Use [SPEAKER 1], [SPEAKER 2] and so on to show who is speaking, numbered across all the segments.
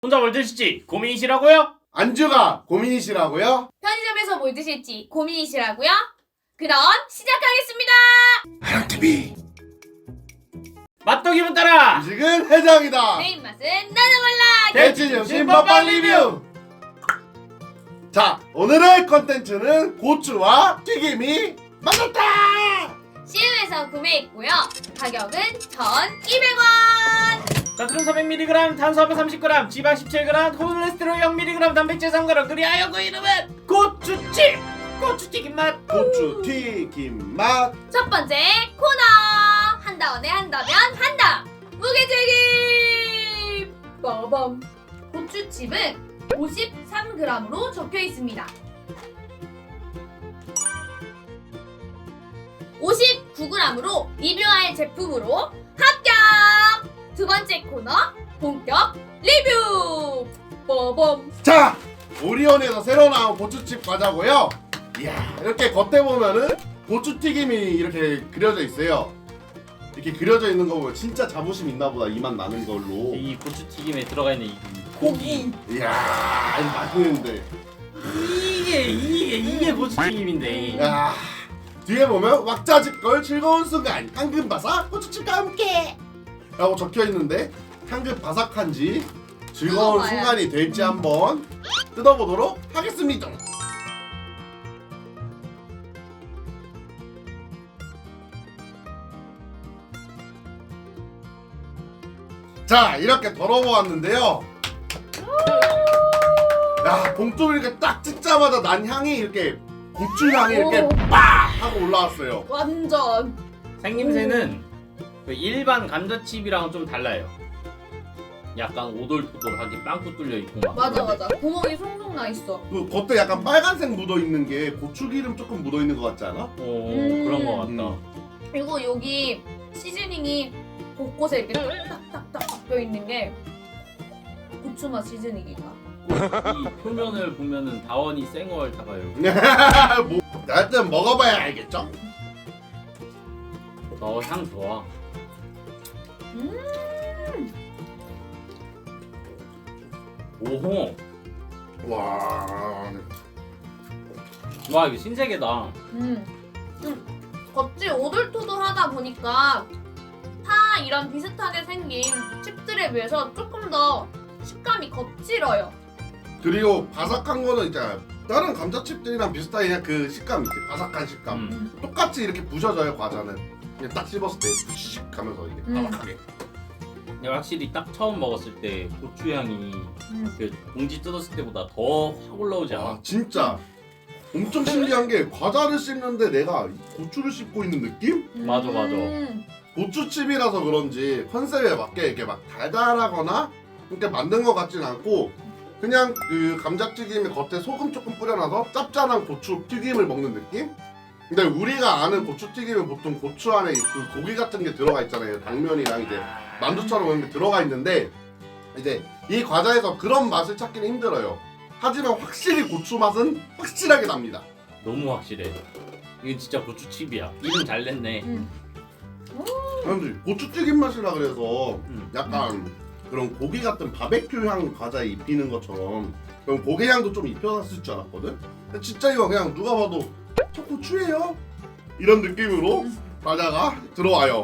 [SPEAKER 1] 혼자 뭘 드실지 고민이시라고요?
[SPEAKER 2] 안주가 고민이시라고요?
[SPEAKER 3] 편의점에서 뭘 드실지 고민이시라고요? 그럼 시작하겠습니다.
[SPEAKER 2] 하랑TV
[SPEAKER 1] 맛도 기분 따라!
[SPEAKER 2] 음식은 해장이다.
[SPEAKER 3] 내 입맛은 나도 몰라.
[SPEAKER 2] 대치점심 먹방 리뷰. 자, 오늘의 컨텐츠는 고추와 튀김이 맞았다.
[SPEAKER 3] CU에서 구매했고요. 가격은 1,200원.
[SPEAKER 1] 나트륨 400mg, 탄수화물 30g, 지방 17g, 콜레스테롤 0mg, 단백질 3g, 그리하여 그 이름은 고추칩! 고추튀김 맛!
[SPEAKER 2] 고추 튀김 맛.
[SPEAKER 3] 첫 번째 코너. 한다원에 한다면 한다. 무게책임. 빠밤. 고추칩은 53g으로 적혀 있습니다. 59g으로 리뷰할 제품으로 합격! 두 번째 코너 본격 리뷰! 빠밤!
[SPEAKER 2] 자, 오리온에서 새로 나온 고추칩 과자고요. 이야, 이렇게 겉에 보면은 고추 튀김이 이렇게 그려져 있어요. 이렇게 그려져 있는 거 보면 진짜 자부심 있나 보다, 이 맛 나는 걸로.
[SPEAKER 1] 이 고추튀김에 들어가 있는 이 고기.
[SPEAKER 2] 이야, 이거 맛있는데.
[SPEAKER 1] 이게 고추튀김인데.
[SPEAKER 2] 야, 뒤에 보면 왁자지껄 즐거운 순간 황금 바삭 고추칩과 함께 라고 적혀 있는데, 황금 바삭한지 즐거운
[SPEAKER 3] 뜯어봐요.
[SPEAKER 2] 순간이 될지 한번 뜯어보도록 하겠습니다. 자, 이렇게 덜어보았는데요. 야, 봉투를 이렇게 딱 찢자마자 난 향이 이렇게 고추 향이 이렇게
[SPEAKER 3] 오.
[SPEAKER 2] 빡 하고 올라왔어요.
[SPEAKER 3] 완전
[SPEAKER 1] 생김새는 그 일반 감자칩이랑은 좀 달라요. 약간 오돌토돌하게 빵꾸 뚫려 있고 막.
[SPEAKER 3] 맞아
[SPEAKER 1] 그런데
[SPEAKER 3] 맞아. 구멍이 송송 나 있어.
[SPEAKER 2] 그 겉에 약간 빨간색 묻어 있는 게 고추기름 조금 묻어 있는 것 같지 않아?
[SPEAKER 1] 그런 거 같다.
[SPEAKER 3] 그리고 여기 시즈닝이 곳곳에 이렇게 딱딱딱 박혀 있는 게 고추맛 시즈닝인가?
[SPEAKER 1] 이 표면을 보면은 다원이 생얼 다가요.
[SPEAKER 2] 뭐, 하여튼 먹어봐야 알겠죠?
[SPEAKER 1] 향 좋아. 오호.
[SPEAKER 2] 와,
[SPEAKER 1] 와 이거 신세계다.
[SPEAKER 3] 겉이 오돌토돌하다 보니까 파 이런 비슷하게 생긴 칩들에 비해서 조금 더 식감이 거칠어요.
[SPEAKER 2] 그리고 바삭한 거는 이제 다른 감자칩들이랑 비슷하게 그냥 그 식감 있지, 바삭한 식감. 똑같이 이렇게 부셔져요, 과자는. 그냥 딱 씹었을 때 푸식 하면서 이게 바삭하게.
[SPEAKER 1] 근데 확실히 딱 처음 먹었을 때 고추향이 그 봉지 뜯었을 때보다 더 확 올라오지 않아?
[SPEAKER 2] 와, 진짜 엄청 신기한 게 과자를 씹는데 내가 고추를 씹고 있는 느낌?
[SPEAKER 1] 맞아.
[SPEAKER 2] 고추칩이라서 그런지 컨셉에 맞게 이렇게 막 달달하거나 이렇게 만든 것 같진 않고, 그냥 그 감자튀김에 겉에 소금 조금 뿌려놔서 짭짤한 고추 튀김을 먹는 느낌? 근데 우리가 아는 고추튀김은 보통 고추 안에 그 고기 같은 게 들어가 있잖아요. 당면이랑 이제 만두처럼 이렇게 들어가 있는데, 이제 이 과자에서 그런 맛을 찾기는 힘들어요. 하지만 확실히 고추 맛은 확실하게 납니다.
[SPEAKER 1] 너무 확실해. 이건 진짜 고추칩이야. 이름 잘 냈네.
[SPEAKER 2] 사람들이 고추튀김 맛이라 그래서
[SPEAKER 1] 음.
[SPEAKER 2] 약간 그런 고기 같은 바베큐 향 과자에 입히는 것처럼 그럼 고기 향도 좀 입혀놨을 줄 알았거든? 근데 진짜 이거 그냥 누가 봐도 저 고추예요? 이런 느낌으로 과자가 들어와요.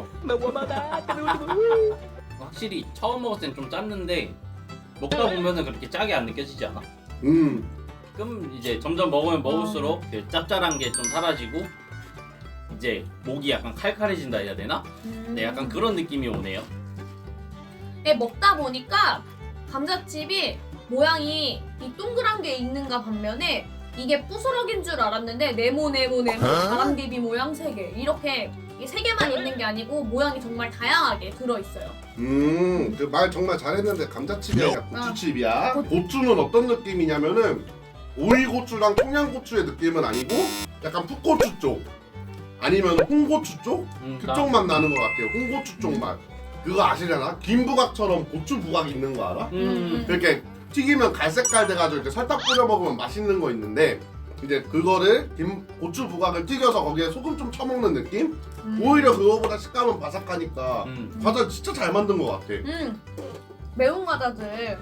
[SPEAKER 1] 확실히 처음 먹었을 땐 좀 짰는데 먹다 보면은 그렇게 짜게 안 느껴지지 않아? 그럼 이제 점점 먹으면 먹을수록 그 짭짤한 게 좀 사라지고 이제 목이 약간 칼칼해진다 해야 되나? 네, 약간 그런 느낌이 오네요.
[SPEAKER 3] 네, 먹다 보니까 감자칩이 모양이 이 동그란 게 있는가 반면에 이게 부스러기인 줄 알았는데 네모 바람비비 모양 3개 이렇게 이 3개만 있는 게 아니고 모양이 정말 다양하게 들어있어요.
[SPEAKER 2] 그 말 정말 잘했는데 감자칩이 아니라 고추칩이야. 고추는 어떤 느낌이냐면은 오이고추랑 청양고추의 느낌은 아니고 약간 풋고추 쪽 아니면 홍고추 쪽? 그쪽 맛 나는 것 같아요. 홍고추 쪽 맛. 그거 아시려나? 김부각처럼 고추 부각 있는 거 알아? 이렇게 튀기면 갈색깔 돼가지고 이렇게 설탕 뿌려 먹으면 맛있는 거 있는데, 이제 그거를 고추 부각을 튀겨서 거기에 소금 좀 쳐먹는 느낌? 오히려 그거보다 식감은 바삭하니까 과자 진짜 잘 만든 것 같아.
[SPEAKER 3] 매운 과자들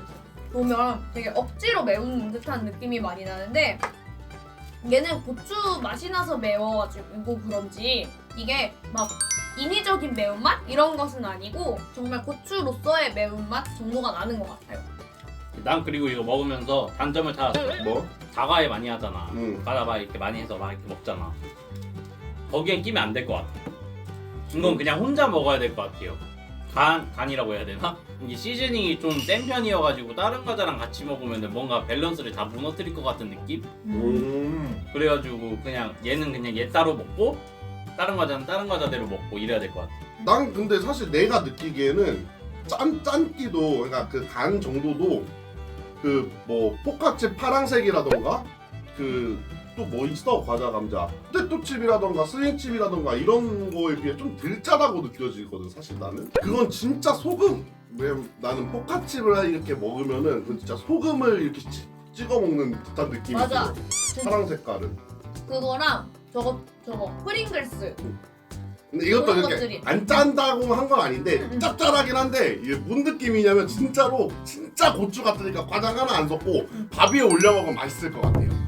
[SPEAKER 3] 보면 되게 억지로 매운 듯한 느낌이 많이 나는데 얘는 고추 맛이 나서 매워가지고 그런지 이게 막 인위적인 매운맛? 이런 것은 아니고 정말 고추로서의 매운맛 정도가 나는 것 같아요.
[SPEAKER 1] 난 그리고 이거 먹으면서 단점을 찾았어.
[SPEAKER 2] 뭐?
[SPEAKER 1] 자과에 많이 하잖아.
[SPEAKER 2] 응.
[SPEAKER 1] 과자바 이렇게 많이 해서 막 이렇게 먹잖아. 거기엔 끼면 안 될 것 같아. 이건 그냥 혼자 먹어야 될 것 같아요. 간이라고 해야 되나? 이게 시즈닝이 좀 센 편이어가지고 다른 과자랑 같이 먹으면 뭔가 밸런스를 다 무너뜨릴 것 같은 느낌? 그래가지고 그냥 얘는 그냥 얘 따로 먹고 다른 과자는 다른 과자대로 먹고 이래야 될 것 같아.
[SPEAKER 2] 난 근데 사실 내가 느끼기에는 짠기도 그러니까 그 간 정도도 그 뭐 포카치 파랑색이라던가 그 또 뭐 있어 과자 감자 포테토칩이라던가 스링칩이라던가 이런 거에 비해 좀 덜 짜다고 느껴지거든 사실 나는. 그건 진짜 소금. 왜 나는 포카칩을 이렇게 먹으면은 그 진짜 소금을 이렇게 찍어 먹는 듯한 느낌이
[SPEAKER 3] 맞아.
[SPEAKER 2] 들어. 파랑 색깔은.
[SPEAKER 3] 그거랑 저거 프링글스.
[SPEAKER 2] 근데 이것도
[SPEAKER 3] 그런
[SPEAKER 2] 이렇게
[SPEAKER 3] 것들이.
[SPEAKER 2] 안 짠다고 한 건 아닌데 짭짤하긴 한데 이게 뭔 느낌이냐면 진짜로 진짜 고추 같으니까 과장 하나 안 섞고 밥 위에 올려 먹으면 맛있을 것 같아요.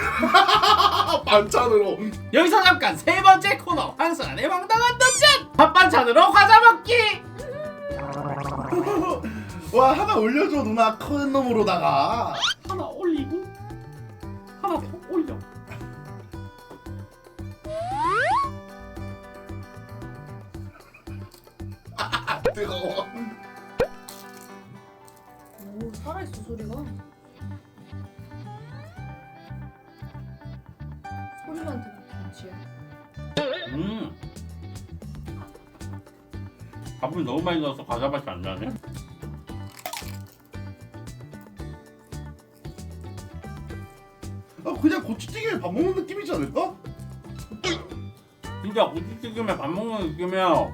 [SPEAKER 2] 반찬으로.
[SPEAKER 1] 여기서 잠깐 세 번째 코너 한순환의 황당한 던전! 밥반찬으로 과자 먹기!
[SPEAKER 2] 와 하나 올려줘 누나 큰 놈으로다가.
[SPEAKER 1] 하나 올리고 하나 더 올려.
[SPEAKER 2] 뜨거워.
[SPEAKER 3] 오, 살아있어 소리가. 소리만 들으면 김치야.
[SPEAKER 1] 밥을 너무 많이 넣어서 과자 맛이 안 나네.
[SPEAKER 2] 그냥 고추튀김에 밥 먹는 느낌이지 않을까?
[SPEAKER 1] 진짜 고추튀김에 밥 먹는 느낌이야.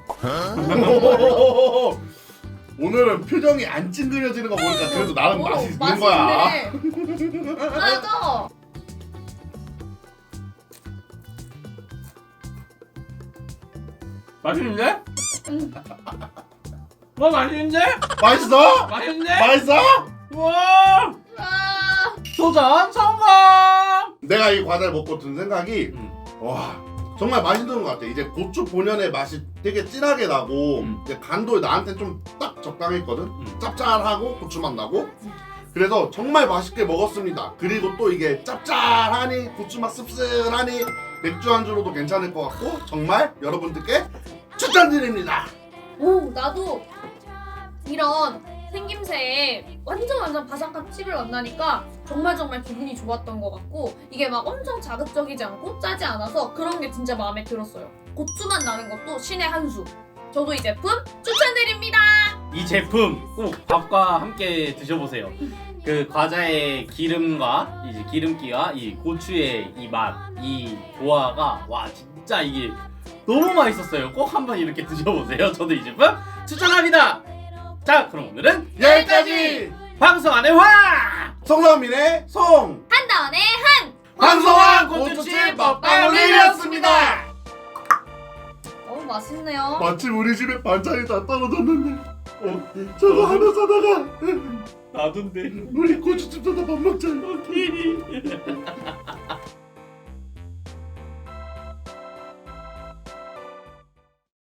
[SPEAKER 2] 오늘은 표정이 안 찡그려지는 거 보니까 그래도 나름
[SPEAKER 3] 오,
[SPEAKER 2] 맛이 있는 거야.
[SPEAKER 3] 맛있네. 맞아.
[SPEAKER 1] 맛있는데? 와 맛있는데?
[SPEAKER 2] 맛있어?
[SPEAKER 1] 맛있는데?
[SPEAKER 2] 맛있어?
[SPEAKER 1] 와
[SPEAKER 3] 아,
[SPEAKER 1] 도전 성공!
[SPEAKER 2] 내가 이 과자를 먹고 든 생각이 와 정말 맛있는 것 같아. 이제 고추 본연의 맛이 되게 진하게 나고 이제 간도 나한테 좀 딱 적당했거든. 짭짤하고 고추맛 나고 그래서 정말 맛있게 먹었습니다. 그리고 또 이게 짭짤하니 고추맛 씁쓸하니 맥주 안주로도 괜찮을 것 같고 정말 여러분들께 추천드립니다.
[SPEAKER 3] 오, 나도 이런 생김새에 완전 바삭한 칩을 만나니까 정말 기분이 좋았던 것 같고 이게 막 엄청 자극적이지 않고 짜지 않아서 그런 게 진짜 마음에 들었어요. 고추맛 나는 것도 신의 한 수. 저도 이 제품 추천드립니다.
[SPEAKER 1] 이 제품 꼭 밥과 함께 드셔보세요. 그 과자의 기름과 이제 기름기와 이 고추의 이 맛, 이 조화가 와 진짜 이게 너무 맛있었어요. 꼭 한번 이렇게 드셔보세요. 저도 이 제품 추천합니다. 자, 그럼 오늘은
[SPEAKER 2] 여기까지
[SPEAKER 1] 방송 안의 화!
[SPEAKER 2] 성선민의 송
[SPEAKER 3] 한다원의 한!
[SPEAKER 2] 방송한 고추칩 먹방 리뷰였습니다.
[SPEAKER 3] 너무 맛있네요.
[SPEAKER 2] 마침 우리 집에 반찬이 다 떨어졌는데 저거 하나 사다가
[SPEAKER 1] 나둔데.
[SPEAKER 2] 우리 고추집도 다 밥 먹자.